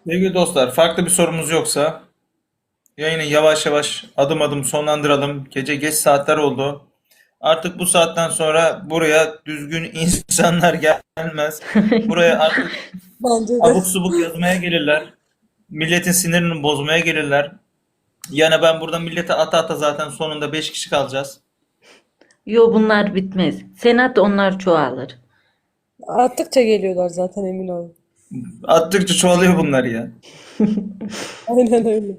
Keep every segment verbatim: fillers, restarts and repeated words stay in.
Sevgili dostlar, farklı bir sorumuz yoksa yayını yavaş yavaş adım adım sonlandıralım. Gece geç saatler oldu. Artık bu saatten sonra buraya düzgün insanlar gelmez. Buraya artık Bence de. abuk subuk yazmaya gelirler. Milletin sinirini bozmaya gelirler. Yani ben burada millete ata ata zaten sonunda beş kişi kalacağız. Yo, bunlar bitmez. Senat onlar çoğalır. Arttıkça geliyorlar zaten, emin olun. Attıkça çoğalıyor bunlar ya. Aynen öyle.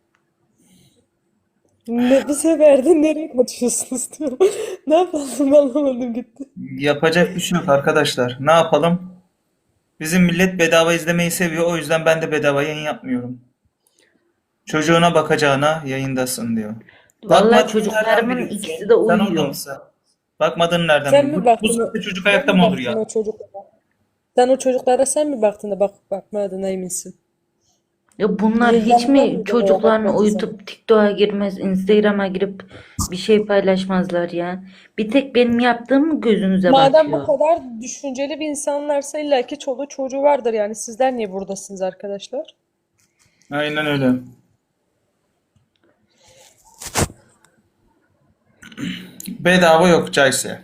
Ne, bu sefer de nereye kaçıyorsunuz diyorum. Ne yapalım, anlamadım gitti. Yapacak bir şey yok arkadaşlar. Ne yapalım? Bizim millet bedava izlemeyi seviyor. O yüzden ben de bedava yayın yapmıyorum. Çocuğuna bakacağına yayındasın diyor. Vallahi Bakmadığını nereden çocuklarımın ikisi biliyorsun? de Sen orada uyuyor. mısın? Bakmadığını nereden Sen biliyorsun? mi Bu, bu baktın o, saatte çocuk sen ayakta mi mı olur baktın ya? o çocuklara? Sen o çocuklara sen mi baktın da bak bakmadığına eminsin? Ya bunlar Niye hiç yanında mi mıydın veya çocuklarını bakmadın sana? uyutup TikTok'a girmez, Instagram'a girip bir şey paylaşmazlar ya? Bir tek benim yaptığım mı gözünüze Madem bu batıyor? kadar düşünceli bir insanlarsa illaki çoluğu çocuğu vardır yani. Sizler niye buradasınız arkadaşlar? Aynen öyle. Bedava yok Cayse.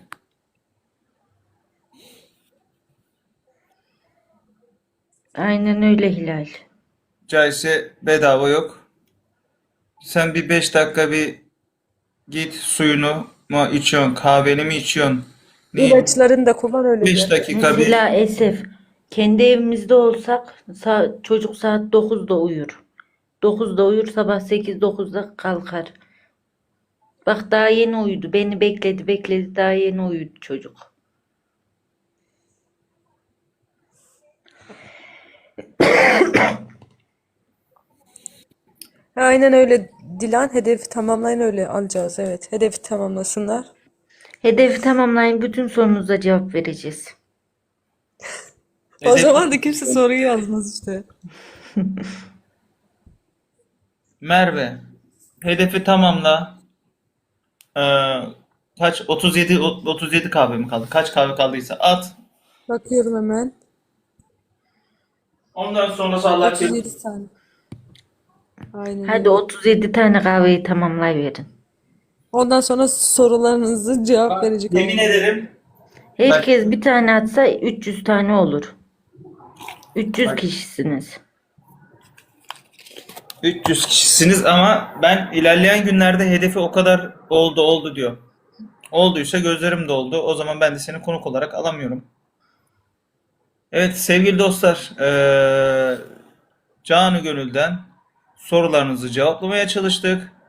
Aynen öyle Hilal. Cayse bedava yok. Sen bir beş dakika bir git suyunu mu içiyorsun, kahveni mi içiyorsun? Ne? İlaçlarını da kullan öyle Beş gel. dakika bir Mesela Esef, kendi evimizde olsak sa- çocuk saat dokuzda uyur. dokuzda uyur, sabah sekiz dokuzda kalkar. Bak daha yeni uyudu. Beni bekledi bekledi, daha yeni uyudu çocuk. Aynen öyle Dilan. Hedefi tamamlayın, öyle alacağız. Evet. Hedefi tamamlasınlar. Hedefi tamamlayın, bütün sorunuza cevap vereceğiz. O hedefi zaman da kimse soruyu yazmaz işte. Merve, hedefi tamamla. Ee, kaç? otuz yedi otuz yedi kahve mi kaldı? Kaç kahve kaldıysa at. Bakıyorum hemen. Ondan sonrası Allah kerim. otuz yedi tane. Aynen Hadi öyle. otuz yedi tane kahveyi tamamlayıverin. Ondan sonra sorularınızı cevap Bak, verecek yemin olacağım. ederim. Bak, Herkes bir tane atsa üç yüz tane olur. üç yüz bak kişisiniz. üç yüz kişisiniz ama ben ilerleyen günlerde hedefi o kadar oldu oldu diyor. Olduysa gözlerim doldu. O zaman ben de seni konuk olarak alamıyorum. Evet sevgili dostlar, eee canı gönülden sorularınızı cevaplamaya çalıştık.